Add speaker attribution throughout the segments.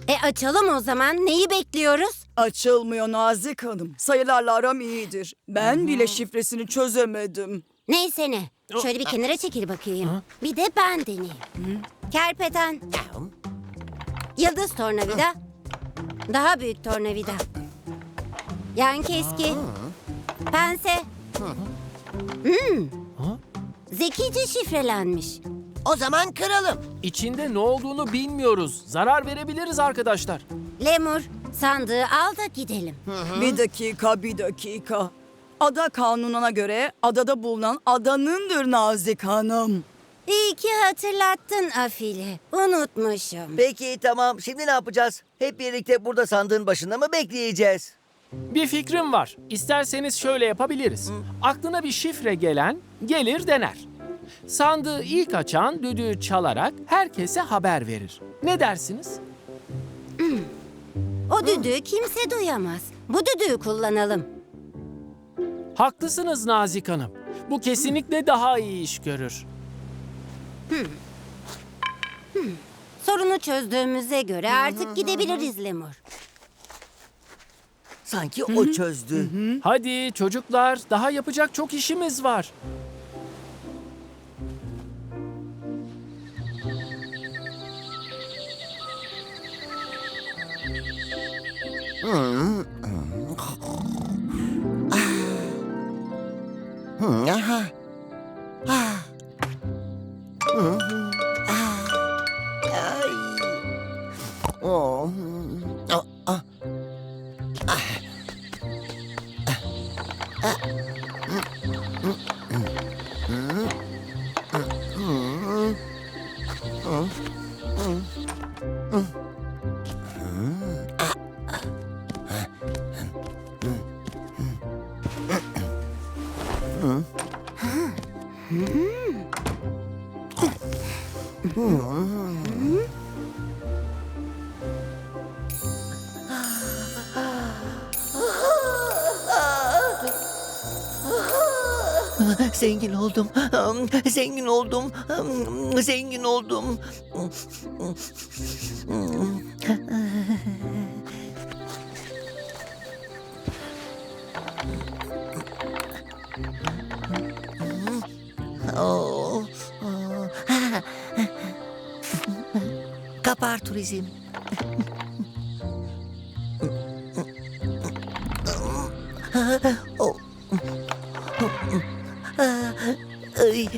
Speaker 1: Açalım o zaman. Neyi bekliyoruz?
Speaker 2: Açılmıyor Nazik Hanım. Sayılarla aram iyidir. Ben bile şifresini çözemedim.
Speaker 1: Neyse ne. Şöyle bir kenara çekil bakayım. Bir de ben deneyeyim. Kerpeten. Yıldız tornavida. Daha büyük tornavida. Yan keski. Pense. Zekice şifrelenmiş.
Speaker 3: O zaman kıralım.
Speaker 4: İçinde ne olduğunu bilmiyoruz. Zarar verebiliriz arkadaşlar.
Speaker 1: Lemur, sandığı al da gidelim.
Speaker 2: Bir dakika. Ada kanununa göre adada bulunan adanındır Nazik Hanım.
Speaker 1: İyi ki hatırlattın Afili. Unutmuşum.
Speaker 3: Peki tamam. Şimdi ne yapacağız? Hep birlikte burada sandığın başında mı bekleyeceğiz?
Speaker 4: Bir fikrim var. İsterseniz şöyle yapabiliriz. Aklına bir şifre gelen gelir dener. Sandığı ilk açan düdüğü çalarak herkese haber verir. Ne dersiniz?
Speaker 1: O düdüğü kimse duyamaz. Bu düdüğü kullanalım.
Speaker 4: Haklısınız Nazik Hanım. Bu kesinlikle daha iyi iş görür.
Speaker 1: Sorunu çözdüğümüze göre artık gidebiliriz Lemur.
Speaker 3: Sanki o çözdü.
Speaker 4: Hadi çocuklar, daha yapacak çok işimiz var.
Speaker 3: Aha. Ay. Oh. Zengin oldum. Zengin oldum. Zengin oldum. Oh. Kapar turizm. Oh. Ay.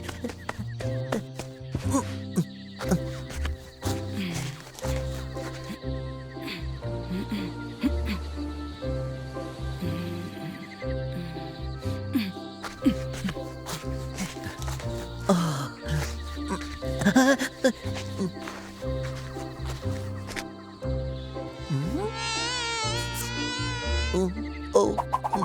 Speaker 3: Oh.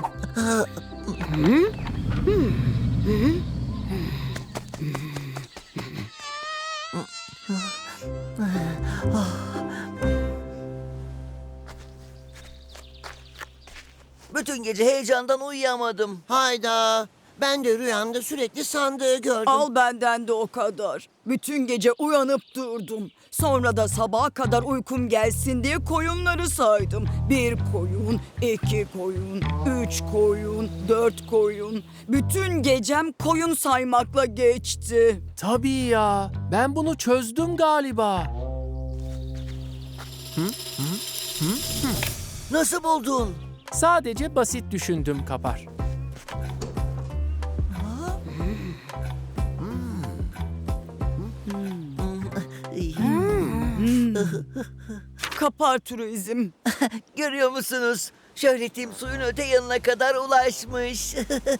Speaker 3: Bütün gece heyecandan uyuyamadım.
Speaker 5: Hayda. Ben de rüyamda sürekli sandığı gördüm.
Speaker 2: Al benden de o kadar. Bütün gece uyanıp durdum. Sonra da sabaha kadar uykum gelsin diye koyunları saydım. 1 koyun, 2 koyun, 3 koyun, 4 koyun. Bütün gecem koyun saymakla geçti.
Speaker 4: Tabii ya, ben bunu çözdüm galiba.
Speaker 3: Nasıl buldun?
Speaker 4: Sadece basit düşündüm Kapar.
Speaker 2: Kapar turizm.
Speaker 3: Görüyor musunuz? Şöhretim suyun öte yanına kadar ulaşmış.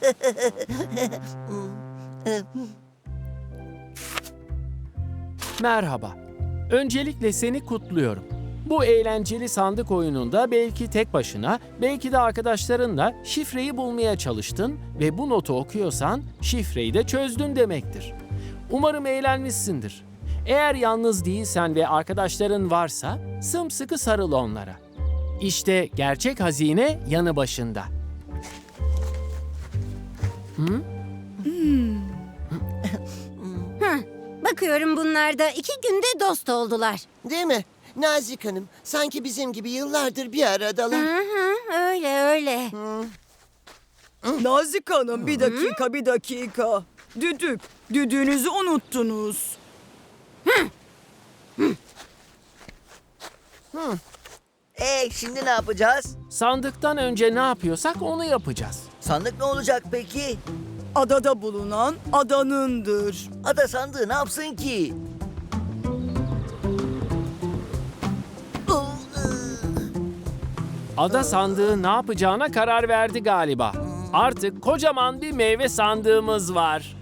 Speaker 4: Merhaba. Öncelikle seni kutluyorum. Bu eğlenceli sandık oyununda belki tek başına, belki de arkadaşlarınla şifreyi bulmaya çalıştın ve bu notu okuyorsan şifreyi de çözdün demektir. Umarım eğlenmişsindir. Eğer yalnız değilsen ve arkadaşların varsa sımsıkı sarıl onlara. İşte gerçek hazine yanı başında.
Speaker 1: Bakıyorum bunlar da 2 günde dost oldular.
Speaker 5: Değil mi? Nazik Hanım, sanki bizim gibi yıllardır bir aradalar.
Speaker 1: Hı hı, öyle öyle.
Speaker 2: Nazik Hanım bir dakika. Düdüğünüzü unuttunuz.
Speaker 3: Şimdi ne yapacağız?
Speaker 4: Sandıktan önce ne yapıyorsak onu yapacağız.
Speaker 3: Sandık ne olacak peki?
Speaker 2: Adada bulunan adanındır.
Speaker 3: Ada sandığı ne yapsın ki?
Speaker 4: Ada sandığı ne yapacağına karar verdi galiba. Artık kocaman bir meyve sandığımız var.